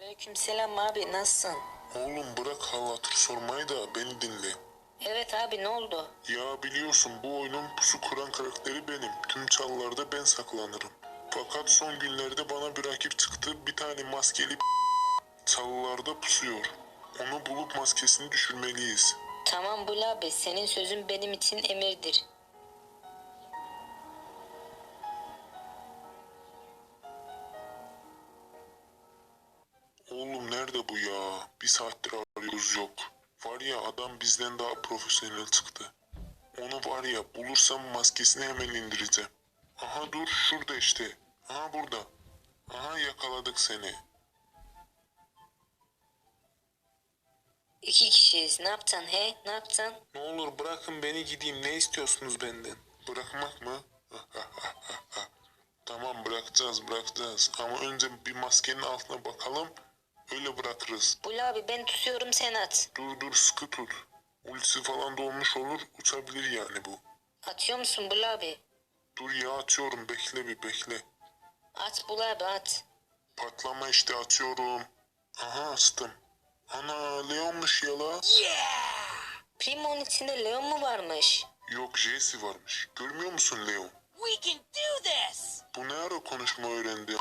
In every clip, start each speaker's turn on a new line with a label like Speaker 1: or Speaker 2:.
Speaker 1: Aleykümselam abi, nasılsın?
Speaker 2: Oğlum bırak hal hatır sormayı da beni dinle.
Speaker 1: Evet abi, ne oldu?
Speaker 2: Ya biliyorsun bu oyunun pusu kuran karakteri benim. Tüm çalılarda ben saklanırım. Fakat son günlerde bana bir rakip çıktı. Bir tane maskeli çalılarda pusuyor. Onu bulup maskesini düşürmeliyiz.
Speaker 1: Tamam Bul abi, senin sözün benim için emirdir.
Speaker 2: Oğlum nerede bu ya? Bir saattir arıyoruz yok. Var ya adam bizden daha profesyonel çıktı. Onu var ya bulursam maskesini hemen indireceğim. Aha dur şurada işte. Aha burada. Aha yakaladık seni.
Speaker 1: İki kişiyiz, ne yapacaksın he? Ne yapacaksın?
Speaker 2: Ne olur bırakın beni gideyim. Ne istiyorsunuz benden? Bırakmak mı? Tamam bırakacağız. Ama önce bir maskenin altına bakalım. Öyle bırakırız.
Speaker 1: Bul abi, ben tutuyorum, sen at.
Speaker 2: Dur sıkı tut. Ultisi falan dolmuş olur. Uçabilir yani bu.
Speaker 1: Atıyor musun Bul abi?
Speaker 2: Dur ya atıyorum. Bekle bir bekle.
Speaker 1: At Bul abi, at.
Speaker 2: Patlama işte atıyorum. Aha astım. Ana Leon'muş ya la.
Speaker 1: Primo'nun içinde Leon mu varmış?
Speaker 2: Yok Jesse varmış. Görmüyor musun Leon?
Speaker 3: We can do this!
Speaker 2: Bu ne ara konuşma öğrendi?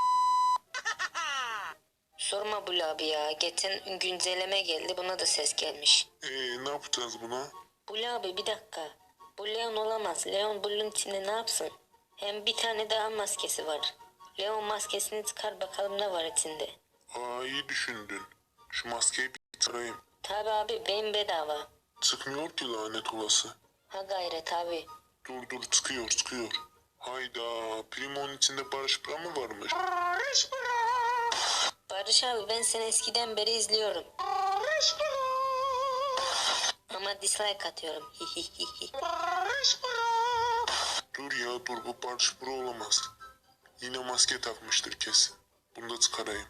Speaker 1: Sorma Bul abi ya, geçen güncelleme geldi, buna da ses gelmiş.
Speaker 2: Ne yapacağız buna?
Speaker 1: Bul abi bir dakika. Bu Leon olamaz. Leon Bul'un içinde ne yapsın? Hem bir tane daha maskesi var. Leon maskesini çıkar bakalım ne var içinde.
Speaker 2: İyi düşündün. Şu maskeyi bir tarayayım.
Speaker 1: Tabi abi, beyin bedava.
Speaker 2: Çıkmıyor ki lanet olası.
Speaker 1: Ha gayret abi.
Speaker 2: Dur çıkıyor. Hayda Primo'nun içinde Barış Bra mı varmış?
Speaker 1: Barış abi, ben seni eskiden beri izliyorum. Ama dislike atıyorum.
Speaker 2: Dur bu Barış Bra olamaz. Yine maske takmıştır kesin. Bunu da çıkarayım.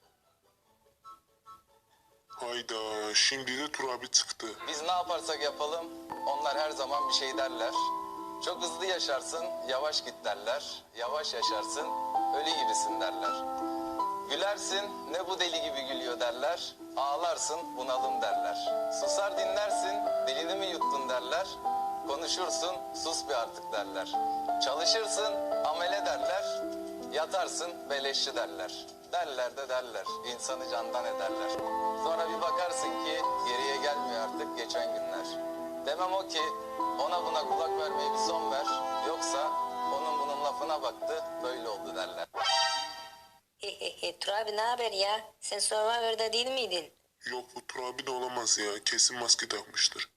Speaker 2: Hayda şimdi de Tur abi çıktı.
Speaker 4: Biz ne yaparsak yapalım, onlar her zaman bir şey derler. Çok hızlı yaşarsın, yavaş git derler. Yavaş yaşarsın, ölü gibisin derler. Gülersin, ne bu deli gibi gülüyor derler. Ağlarsın, bunalım derler. Susar dinlersin, dilini mi yuttun derler. Konuşursun, sus bir artık derler. Çalışırsın, amele derler. Yatarsın, beleşçi derler. Derler de derler, insanı candan ederler. Sonra bir bakarsın ki geriye gelmiyor artık geçen günler. Demem o ki ona buna kulak vermeye bir son ver. Yoksa onun bunun lafına baktı, böyle oldu derler.
Speaker 1: Tur abi ne haber ya? Sen Survivor'da değil miydin?
Speaker 2: Yok bu Tur abi de olamaz ya. Kesin maske takmıştır.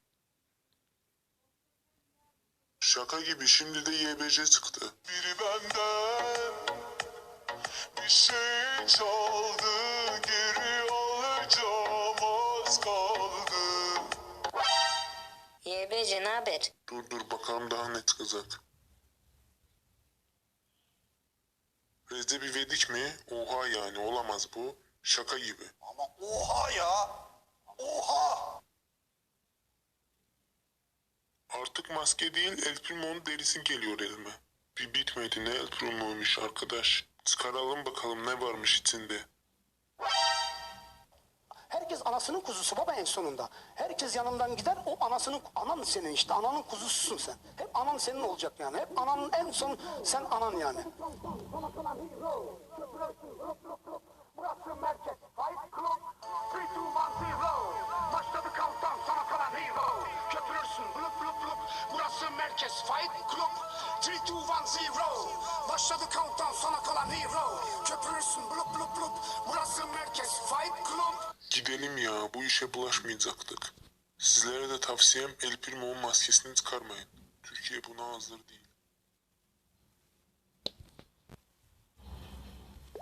Speaker 2: Şaka gibi şimdi de YBC çıktı. Biri benden bir şey çaldı, geri alacağım az kaldı.
Speaker 1: YBC ne haber?
Speaker 2: Dur bakalım daha ne çıkacak. Recep İvedik mi? Oha yani olamaz bu. Şaka gibi.
Speaker 3: Ama oha ya! Oha!
Speaker 2: Artık maske değil El Primo'nun derisi geliyor elime. Bir bitmedi ne El Primo'ymuş arkadaş. Çıkaralım bakalım ne varmış içinde.
Speaker 5: Herkes anasının kuzusu baba en sonunda. Herkes yanından gider, o anan senin işte, ananın kuzususun sen. Hep anan senin olacak yani, hep ananın en son sen anan yani. Burası merkez, Fight Club, 3, 2, 1, 0. Başladı countdown, sana kalan hero. Köpürürsün, blup. Burası merkez, Fight Club, 3, 2, 1, 0. Başladı countdown, sana kalan hero. Köpürürsün, blup. Burası merkez, Fight Club.
Speaker 2: Gidelim ya bu işe bulaşmayacaktık. Sizlere de tavsiyem El Primo'nun maskesini çıkarmayın. Türkiye buna hazır değil.